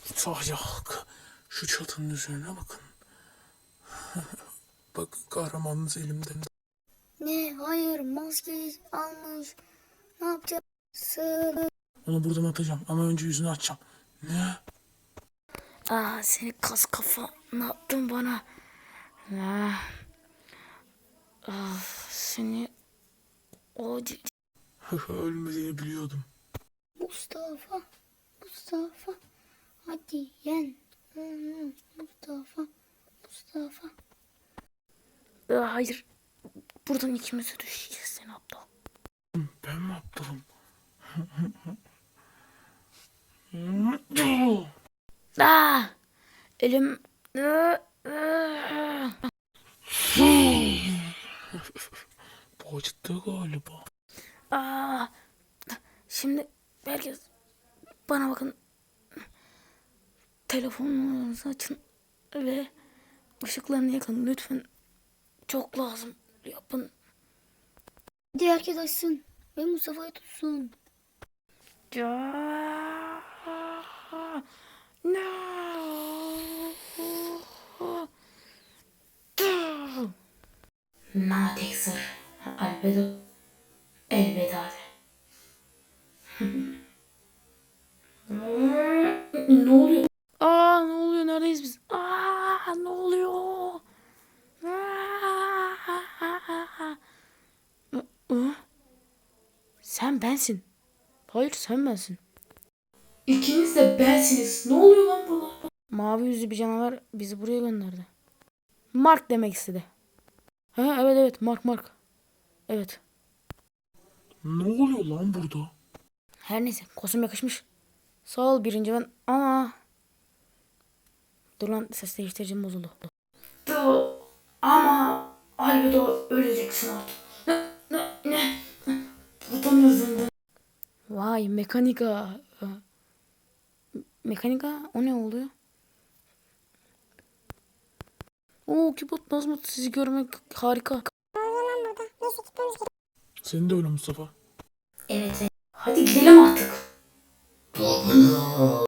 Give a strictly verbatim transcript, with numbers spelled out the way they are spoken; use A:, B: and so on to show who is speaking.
A: İtfaiye halkı, şu çatının üzerine bakın. Bakın, kahramanınız elimde.
B: Ne? Hayır, maske almış. Ne yapacağız? Sığ.
A: Onu buradan atacağım ama önce yüzünü açacağım. Ne?
B: Aa, seni kas kafa. Ne yaptın bana? Ah, ah, seni o
A: Ölmediğini biliyordum.
B: Mustafa. Mustafa. Hadi yen. Hmm, Mustafa. Mustafa. Aa, hayır. Buradan ikimiz de düşeceğiz, seni aptal.
A: Ben mi aptalım?
B: Aa, elim.
A: Bu acıttı galiba.
B: Aa, şimdi herkes bana bakın. Telefonunuzu açın ve ışıklarını yakın lütfen. Çok lazım. Yapın. Hadi herkes açsın ve Mustafa'yı tutsun. Ya. No. Natexer. Albedo. Elveda de. Ne oluyor? Aa, ne oluyor? Neredeyiz biz? Aa, ne oluyor? Aa. Aa. Sen bensin. Hayır, sen bensin.
C: İkiniz de bensiniz. Ne oluyor lan burada?
B: Mavi yüzlü bir canavar bizi buraya gönderdi. Mark demek istedi. Ha, evet evet, Mark Mark. Evet.
A: Ne oluyor lan burada?
B: Her neyse, kostüm yakışmış. Sağ ol birinci ben ama... Dur lan, ses değiştiricim bozuldu.
C: Da, ama Albedo öleceksin artık. Ne? Ne? Ne? Buradan yüzünden.
B: Vay, mekanika. Mekanika, o ne oluyor? Oo, Kibot Nazmut, sizi görmek harika.
A: Senin de öyle Mustafa.
C: Evet. Hadi gidelim artık.